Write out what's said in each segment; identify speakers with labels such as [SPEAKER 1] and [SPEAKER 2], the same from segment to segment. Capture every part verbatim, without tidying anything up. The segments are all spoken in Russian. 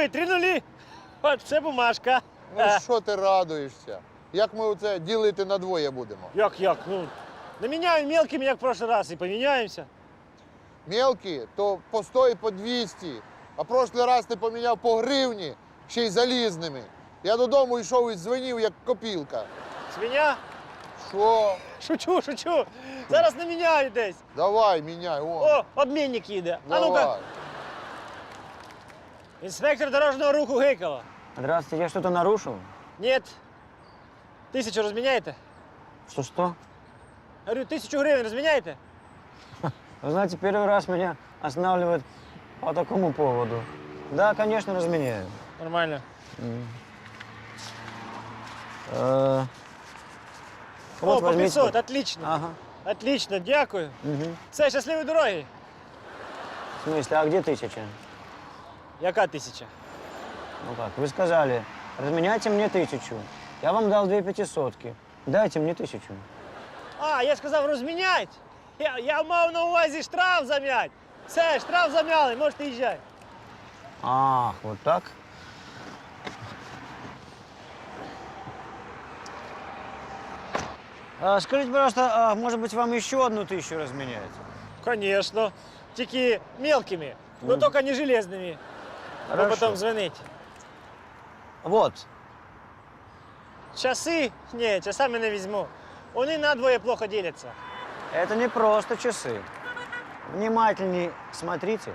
[SPEAKER 1] диви, три нулі. От це бумажка.
[SPEAKER 2] Ну що ти радуєшся? Як ми оце ділити на двоє будемо?
[SPEAKER 1] Як, як? Ну, наміняємо мелкими, як в прошлый раз, і поміняємося.
[SPEAKER 2] Мелкі, то по сто і по двісті. А прошлий раз ти поміняв по гривні, ще й залізними. Я додому йшов і дзвонив, як копілка.
[SPEAKER 1] Свиня?
[SPEAKER 2] Що?
[SPEAKER 1] Шучу, шучу. Зараз наміняю десь.
[SPEAKER 2] Давай, міняй, о.
[SPEAKER 1] О, обмінник їде. А ну-ка.
[SPEAKER 2] Давай.
[SPEAKER 1] Інспектор дорожнього руху Гейкова.
[SPEAKER 3] Здравствуйте, я что-то нарушил?
[SPEAKER 1] Нет. Тисячу розміняєте?
[SPEAKER 3] Что-что?
[SPEAKER 1] Говорю, тисячу гривень розміняєте?
[SPEAKER 3] Вы знаете, первый раз меня останавливают по такому поводу. Да, конечно, разменяю.
[SPEAKER 1] Нормально.
[SPEAKER 3] Э,
[SPEAKER 1] О,
[SPEAKER 3] вот
[SPEAKER 1] по
[SPEAKER 3] возьмите.
[SPEAKER 1] пятьсот, отлично.
[SPEAKER 3] Ага.
[SPEAKER 1] Отлично, дякую.
[SPEAKER 3] Мгм.
[SPEAKER 1] Все, щасливої дороги.
[SPEAKER 3] В смысле, а где тысяча?
[SPEAKER 1] Яка тисяча?
[SPEAKER 3] Ну как, вы сказали, разменяйте мне тысячу. Я вам дал две пятисотки. Дайте мне тысячу.
[SPEAKER 1] А, я сказав розмінять. Я, я мав на увазі штраф зам'ять. Все, штраф зам'яли, можете їжджати.
[SPEAKER 3] Ах, вот так? А, скажите, пожалуйста, а, может быть, вам еще одну тысячу разменять?
[SPEAKER 1] Конечно. Тільки мелкими, но
[SPEAKER 3] Мгм.
[SPEAKER 1] только не железными. Ви
[SPEAKER 3] Хорошо.
[SPEAKER 1] потім дзвонить.
[SPEAKER 3] Вот.
[SPEAKER 1] Часи? Ні, часами не візьму. Вони надвоє плохо діляться.
[SPEAKER 3] Это не просто часы. Внимательней смотрите.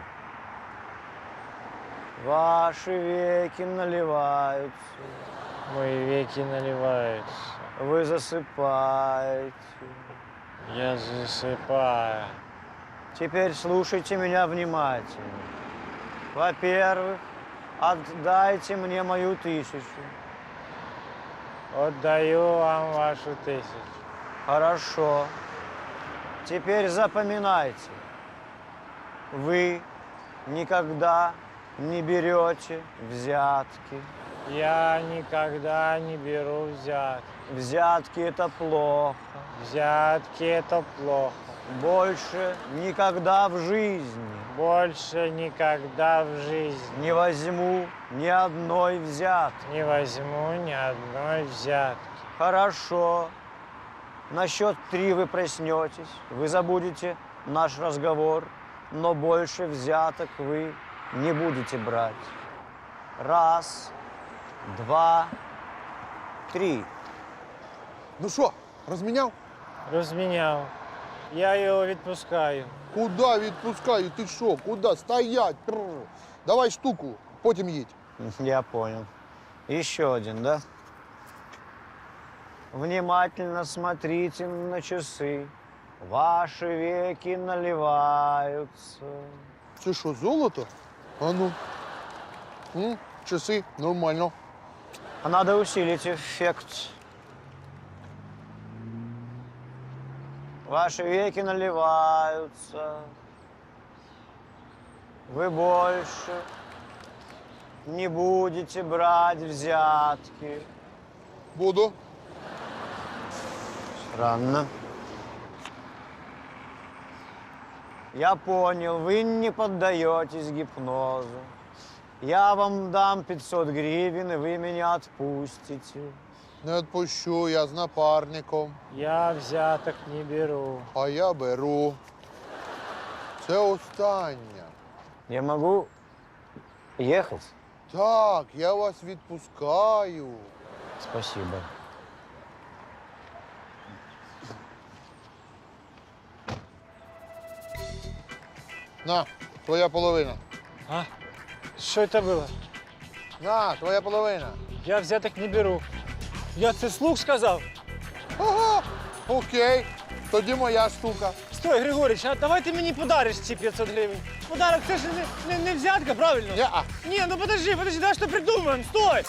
[SPEAKER 3] Ваши веки наливаются,
[SPEAKER 1] Мої веки наливаються.
[SPEAKER 3] вы засыпаете.
[SPEAKER 1] Я засыпаю.
[SPEAKER 3] Теперь слушайте меня внимательно. Во-первых, отдайте мне мою тысячу.
[SPEAKER 1] Отдаю вам вашу тисячу.
[SPEAKER 3] Хорошо. Теперь запоминайте. Вы никогда не берете взятки.
[SPEAKER 1] Я никогда не беру взятки.
[SPEAKER 3] Взятки – это плохо.
[SPEAKER 1] Взятки – это плохо.
[SPEAKER 3] Больше никогда в жизни
[SPEAKER 1] Больше никогда в жизни
[SPEAKER 3] не возьму ни одной взятки.
[SPEAKER 1] не возьму ни одной взятки.
[SPEAKER 3] Хорошо. На счет три вы проснетесь, вы забудете наш разговор, но больше взяток вы не будете брать. Раз, два, три.
[SPEAKER 2] Ну що, розміняв?
[SPEAKER 1] Розміняв. Я його відпускаю.
[SPEAKER 2] Куда відпускаю? Ти що? Куда? Стоять! Пррр. Давай штуку, потім їдь.
[SPEAKER 3] Я понял. Еще один, да? Внимательно смотрите на часы. Ваши веки наливаются.
[SPEAKER 2] Це що, золото? А ну. М, часи, нормально.
[SPEAKER 3] А надо усилить эффект. Ваши веки наливаются. Вы больше не будете брать взятки.
[SPEAKER 2] Буду.
[SPEAKER 3] Странно. Я понял, вы не поддаетесь гипнозу. Я вам дам пятьсот гривен, и вы меня отпустите.
[SPEAKER 2] Не відпущу, я з напарником.
[SPEAKER 1] Я взяток не беру.
[SPEAKER 2] А я беру. Це остання.
[SPEAKER 3] Я могу ехать?
[SPEAKER 2] Так, я вас відпускаю.
[SPEAKER 3] Спасибо.
[SPEAKER 2] На, твоя половина.
[SPEAKER 1] А? Що це було?
[SPEAKER 2] На, твоя половина.
[SPEAKER 1] Я взяток не беру. Я це слух сказав.
[SPEAKER 2] Ага, окей. Тоді моя штука.
[SPEAKER 1] Стой, Григорич, а давай ти мені подариш ці п'ятсот гривень. Подарок це ж не, не, не взятка, правильно?
[SPEAKER 2] Не-а.
[SPEAKER 1] Ні, ну подожди, подожди, давай що придумаємо, стой!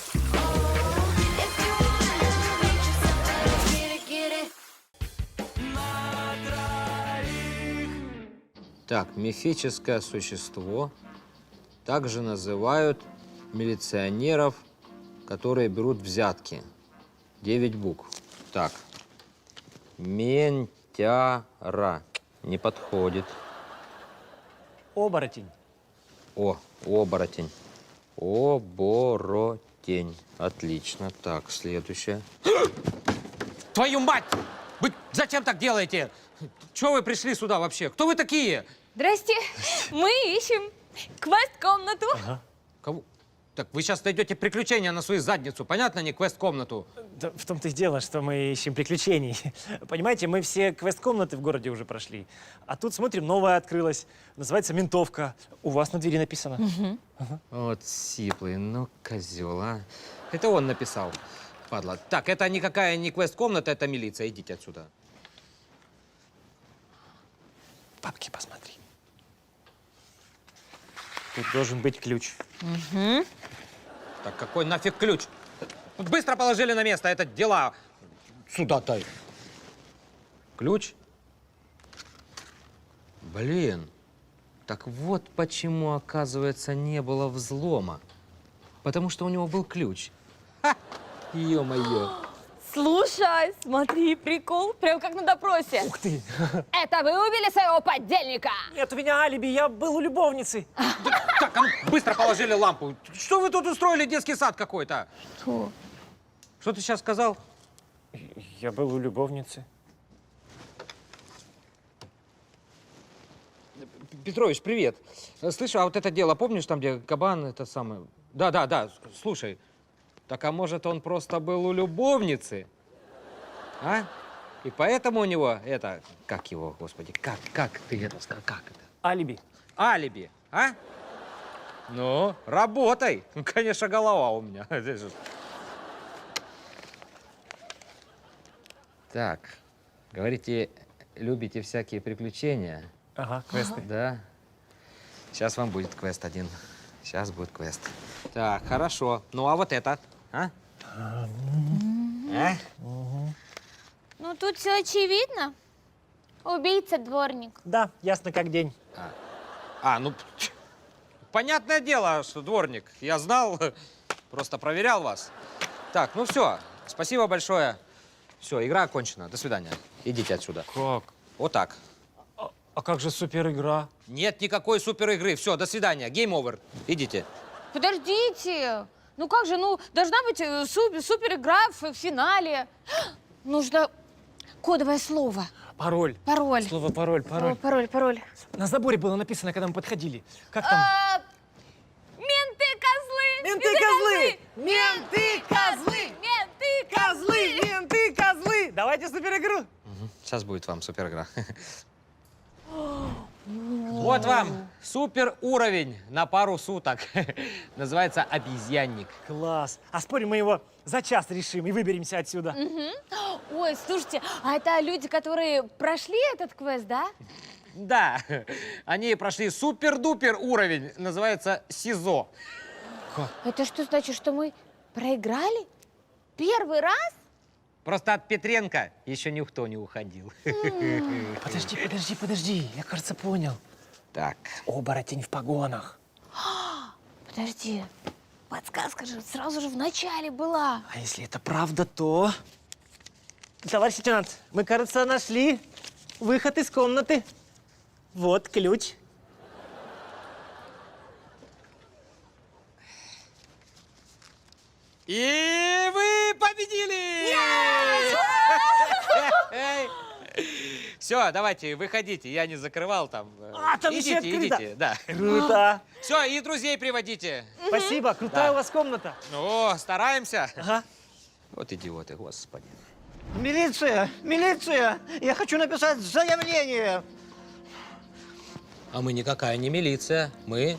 [SPEAKER 4] Так, мифическое существо также называют милиционеров, которые берут взятки. Девять букв. Так. Ментяра. Не подходит.
[SPEAKER 1] Оборотень.
[SPEAKER 4] О, оборотень. Оборотень. Отлично. Так, следующее. Твою мать! Вы зачем так делаете? Чего вы пришли сюда вообще? Кто вы такие?
[SPEAKER 5] Здрасте. Мы ищем квест-комнату.
[SPEAKER 4] Кого? Так вы сейчас найдете приключения на свою задницу, понятно, не квест-комнату?
[SPEAKER 1] Да, в том-то и дело, что мы ищем приключений. Понимаете, мы все квест-комнаты в городе уже прошли. А тут, смотрим, новая открылась. Называется «Ментовка». У вас на двери написано.
[SPEAKER 4] Вот сиплый, ну, козел, а. Это он написал, падла. Так, это никакая не квест-комната, это милиция. Идите отсюда.
[SPEAKER 1] Папки, посмотри. Тут должен быть ключ.
[SPEAKER 4] Так какой нафиг ключ? Быстро положили на место, это дела. Сюда-то. Ключ? Блин. Так вот почему, оказывается, не было взлома. Потому что у него был ключ. Ха! Ё-моё.
[SPEAKER 5] Слушай, смотри, прикол. Прям как на допросе.
[SPEAKER 1] Ух ты!
[SPEAKER 5] Это вы убили своего подельника?
[SPEAKER 1] Нет, у меня алиби, я был у любовницы.
[SPEAKER 4] Так, а ну, быстро положили лампу. Что вы тут устроили, детский сад какой-то?
[SPEAKER 5] Что?
[SPEAKER 4] Что ты сейчас сказал?
[SPEAKER 1] Я был у любовницы.
[SPEAKER 4] Петрович, привет. Слышь, а вот это дело, помнишь, там, где кабан, это самое... Да, да, да, слушай. Так, а может, он просто был у любовницы? А? И поэтому у него это... Как его, господи, как, как ты это сказал? Как это?
[SPEAKER 1] Алиби.
[SPEAKER 4] Алиби, а? Ну, работай. Ну, конечно, голова у меня. Так, говорите, любите всякие приключения?
[SPEAKER 1] Ага, квесты.
[SPEAKER 4] Да. Сейчас вам будет квест один. Сейчас будет квест. Так, хорошо. Ну, а вот это, а? А?
[SPEAKER 5] Ну, тут все очевидно. Убийца дворник.
[SPEAKER 1] Да, ясно как день.
[SPEAKER 4] А, ну, понятное дело, что дворник. Я знал, просто проверял вас. Так, ну все, спасибо большое. Все, игра окончена. До свидания. Идите отсюда.
[SPEAKER 1] Как?
[SPEAKER 4] Вот так.
[SPEAKER 1] А, а как же супер игра?
[SPEAKER 4] Нет никакой супер игры. Все, до свидания. Гейм овер. Идите.
[SPEAKER 5] Подождите. Ну как же, ну, должна быть э, супер, супер игра в финале. Нужно кодовое слово.
[SPEAKER 1] Пароль.
[SPEAKER 5] Пароль.
[SPEAKER 1] Слово пароль, пароль.
[SPEAKER 5] О, пароль, пароль.
[SPEAKER 1] На заборе было написано, когда мы подходили. Как там?
[SPEAKER 5] А, Менты-козлы!
[SPEAKER 1] Менты-козлы!
[SPEAKER 5] Менты-козлы! Менты-козлы!
[SPEAKER 1] Менты, козлы! Давайте супер игру.
[SPEAKER 4] Сейчас будет вам супер игра. Вот вам супер уровень на пару суток. Называется обезьянник.
[SPEAKER 1] Класс. А спорим, мы его за час решим и выберемся отсюда.
[SPEAKER 5] Ой, слушайте, а это люди, которые прошли этот квест, да?
[SPEAKER 4] Да, они прошли супер-дупер уровень. Называется СИЗО.
[SPEAKER 5] Это что значит, что мы проиграли? Первый раз?
[SPEAKER 4] Просто от Петренко еще никто не уходил.
[SPEAKER 1] Подожди, подожди, подожди. Я, кажется, понял.
[SPEAKER 4] Так.
[SPEAKER 1] Оборотень в погонах.
[SPEAKER 5] Подожди, подсказка же сразу же в начале была.
[SPEAKER 1] А если это правда, то... Товарищ лейтенант, мы, кажется, нашли выход из комнаты. Вот ключ.
[SPEAKER 4] И вы победили! Все, давайте, выходите. Я не закрывал там.
[SPEAKER 1] А, там еще
[SPEAKER 4] идите,
[SPEAKER 1] открыто.
[SPEAKER 4] идите, да.
[SPEAKER 1] Круто.
[SPEAKER 4] Все, и друзей приводите.
[SPEAKER 1] Спасибо, крутая
[SPEAKER 4] Да.
[SPEAKER 1] у вас комната.
[SPEAKER 4] Ну, стараемся.
[SPEAKER 1] Ага.
[SPEAKER 4] Вот идиоты, господи.
[SPEAKER 3] Милиция! Милиция! Я хочу написать заявление!
[SPEAKER 4] А мы никакая не милиция. Мы...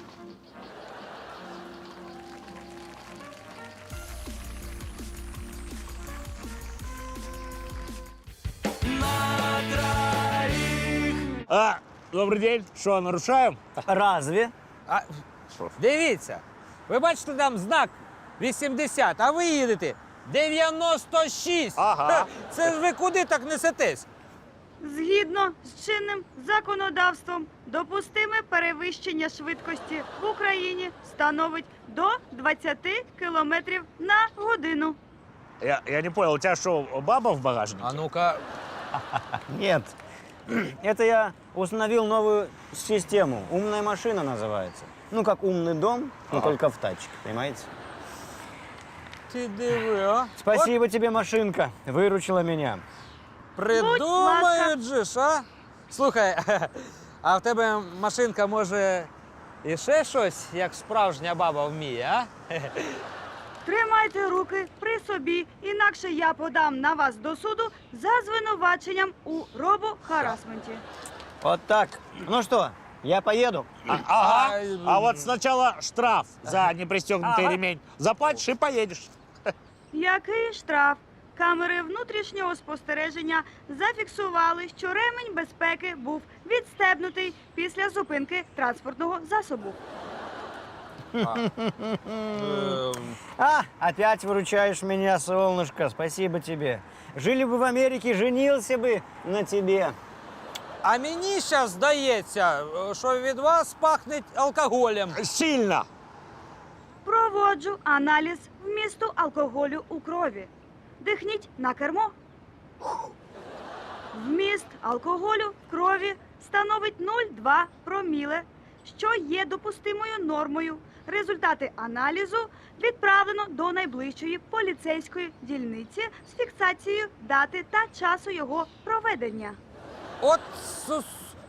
[SPEAKER 1] А, добрий день. Що, нарушаємо?
[SPEAKER 3] Разве?
[SPEAKER 4] А, дивіться, ви бачите там знак вісімдесят, а ви їдете дев'яносто шість.
[SPEAKER 1] Ага.
[SPEAKER 4] Це ж ви куди так несетесь?
[SPEAKER 6] Згідно з чинним законодавством, допустиме перевищення швидкості в Україні становить до двадцяти кілометрів на годину.
[SPEAKER 1] Я, я не понял, у тебя что, баба в багажнике?
[SPEAKER 4] А ну-ка,
[SPEAKER 3] Нет. Это я установил новую систему. Умная машина называется. Ну, как умный дом, но только в тачке, понимаете?
[SPEAKER 4] Ти диви, а?
[SPEAKER 3] Спасибо тебе, машинка. Выручила меня.
[SPEAKER 4] Придумають же ж, а? Слухай, а в тебе машинка може і ще щось, як справжня баба вміє, а?
[SPEAKER 6] Тримайте руки при собі, інакше я подам на вас до суду за звинуваченням у робохарасменті.
[SPEAKER 3] Вот так. Ну что, я поеду?
[SPEAKER 7] Ага.
[SPEAKER 4] Ай,
[SPEAKER 7] А вот сначала штраф за непристегнутый
[SPEAKER 4] Ага.
[SPEAKER 7] ремень. Заплатишь и поедешь.
[SPEAKER 6] Який штраф? Камери внутрішнього спостереження зафіксували, що ремень безпеки був відстебнутий після зупинки транспортного засобу.
[SPEAKER 4] Ем,
[SPEAKER 3] А, опять выручаешь меня, солнышко. Спасибо тебе. Жили бы в Америке, женился бы на тебе.
[SPEAKER 4] А мені зараз здається, що від вас пахне алкоголем.
[SPEAKER 7] Сильно.
[SPEAKER 6] Проводжу аналіз вмісту алкоголю у крові. Дихніть на кермо. Вміст алкоголю в крові становить нуль цілих два проміле, що є допустимою нормою. Результати аналізу відправлено до найближчої поліцейської дільниці з фіксацією дати та часу його проведення.
[SPEAKER 4] От су-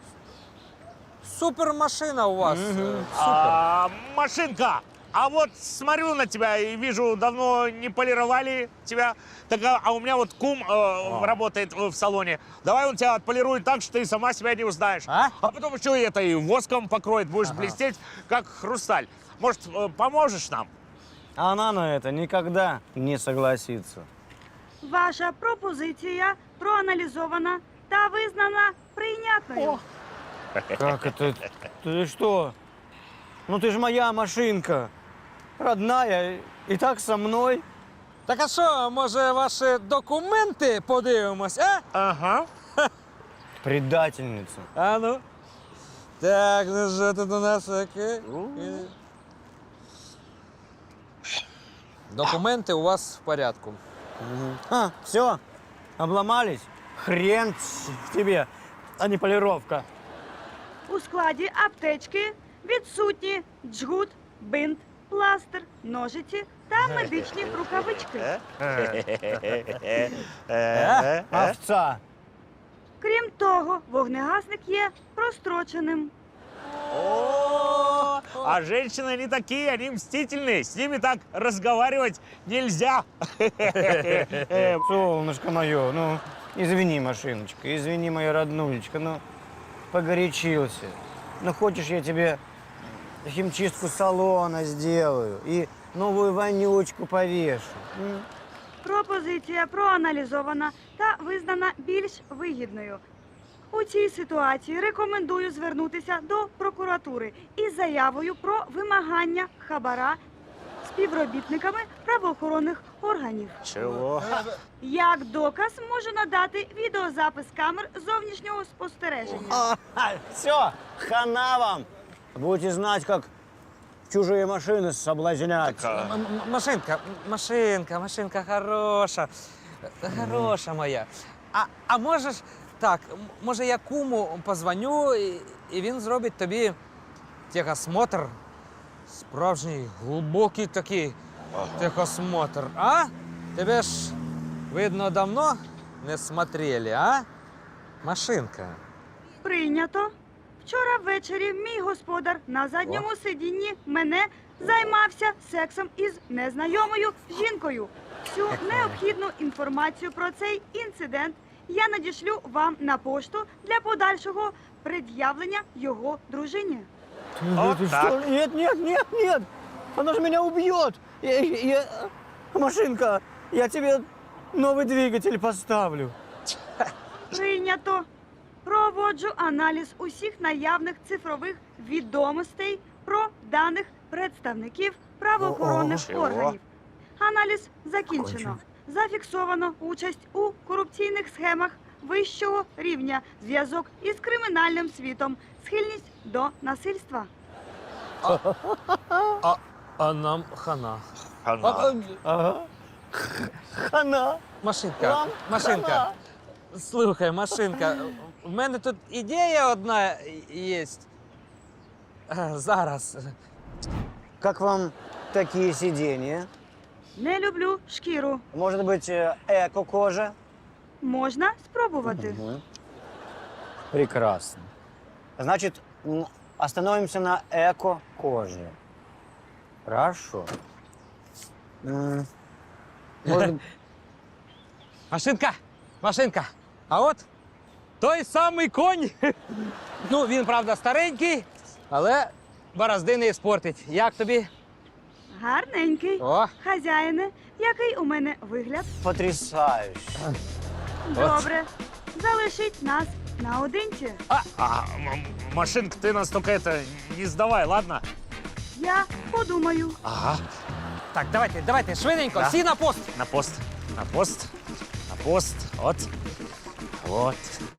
[SPEAKER 4] супермашина у вас. е, Супер.
[SPEAKER 7] А, машинка. А вот смотрю на тебя и вижу, давно не полировали тебя. Так, а, а у меня вот кум э, работает в салоне. Давай он тебя отполирует так, что ты сама себя не узнаешь.
[SPEAKER 4] А?
[SPEAKER 7] А потом еще и это и воском покроет, будешь блестеть, как хрусталь. Может, э, поможешь нам?
[SPEAKER 3] Она на это никогда не согласится.
[SPEAKER 6] Ваша пропозиція проаналізована та визнана прийнятною.
[SPEAKER 3] Как это? Ты что? Ну ты же моя машинка. Родная. И так со мной.
[SPEAKER 4] Так а що, може, ваші документи подивимось, а?
[SPEAKER 7] Ага.
[SPEAKER 3] Предательница.
[SPEAKER 4] А ну. Так, ну що тут у нас таке? Документи у вас в порядку.
[SPEAKER 3] А, все. Обломались? Хрен тебе, а не полировка.
[SPEAKER 6] У складі аптечки відсутні джгут, бинт, пластир, ножиці та медичні рукавички.
[SPEAKER 3] Э? Овца.
[SPEAKER 6] Крім того, вогнегасник є простроченим.
[SPEAKER 7] О, а женщины не такие, они мстительные. С ними так разговаривать нельзя.
[SPEAKER 3] Солнышко мое, ну, извини, машиночка, извини, моя роднулечка, ну, погорячился. Ну, хочешь, я тебе химчистку салона сделаю и новую вонючку повешу? М?
[SPEAKER 6] Пропозиція проаналізована та визнана більш вигідною. У цій ситуації рекомендую звернутися до прокуратури із заявою про вимагання хабара співробітниками правоохоронних органів.
[SPEAKER 7] Чего?
[SPEAKER 6] Як доказ можу надати відеозапис камер зовнішнього спостереження.
[SPEAKER 3] Все, хана вам. Будете знать, как чужие машины соблазнять.
[SPEAKER 4] М- м- Машинка, машинка, машинка хороша. Хороша моя. А, а можеш так, м- може я куму позвоню, і, і він зробить тобі техосмотр. Справжній, глибокий такий техосмотр. А? Тебе ж, видно, давно не смотрели, а? Машинка.
[SPEAKER 6] Прийнято. Вчора ввечері мій господар на задньому сидінні мене займався сексом із незнайомою жінкою. Всю необхідну інформацію про цей інцидент я надішлю вам на пошту для подальшого пред'явлення його дружині.
[SPEAKER 7] Вот
[SPEAKER 3] Ты
[SPEAKER 7] так.
[SPEAKER 3] что? Нет, нет, нет, нет. Она же меня убьет. Я- я- Машинка, я тебе новый двигатель поставлю.
[SPEAKER 6] Прийнято. Проводжу аналіз усіх наявних цифрових відомостей про даних представників правоохоронних
[SPEAKER 7] Чого?
[SPEAKER 6] органів. Аналіз закінчено. Зафіксовано участь у корупційних схемах вищого рівня, зв'язок із кримінальним світом, схильність до насильства.
[SPEAKER 4] А, а нам хана.
[SPEAKER 7] Хана.
[SPEAKER 4] А, а,
[SPEAKER 3] Ага. Хана.
[SPEAKER 4] машинка,
[SPEAKER 3] Вам
[SPEAKER 4] машинка.
[SPEAKER 3] хана.
[SPEAKER 4] Слухай, машинка, в мене тут ідея одна є. Зараз.
[SPEAKER 3] Как вам такие сиденья?
[SPEAKER 6] Не люблю шкіру.
[SPEAKER 3] Может быть, э, эко-кожа?
[SPEAKER 6] Можна спробувати.
[SPEAKER 3] Мгм. Прекрасно. Значит, м, остановимся на эко-коже. Хорошо. М, Может,
[SPEAKER 4] Машинка, машинка. А от той самий конь. Ну, він, правда, старенький, але борозди не спортить. Як тобі?
[SPEAKER 6] Гарненький.
[SPEAKER 4] О,
[SPEAKER 6] Хазяїне, який у мене вигляд?
[SPEAKER 3] потрясающе.
[SPEAKER 6] Добре. Залишіть нас наодинці.
[SPEAKER 7] А, а, м- машинка, ты нас только это не сдавай, ладно?
[SPEAKER 6] Я подумаю.
[SPEAKER 7] Ага.
[SPEAKER 4] так, давайте, давайте, швиденько,
[SPEAKER 7] Да.
[SPEAKER 4] всі на пост.
[SPEAKER 7] На пост, на пост, на пост. Вот. Вот.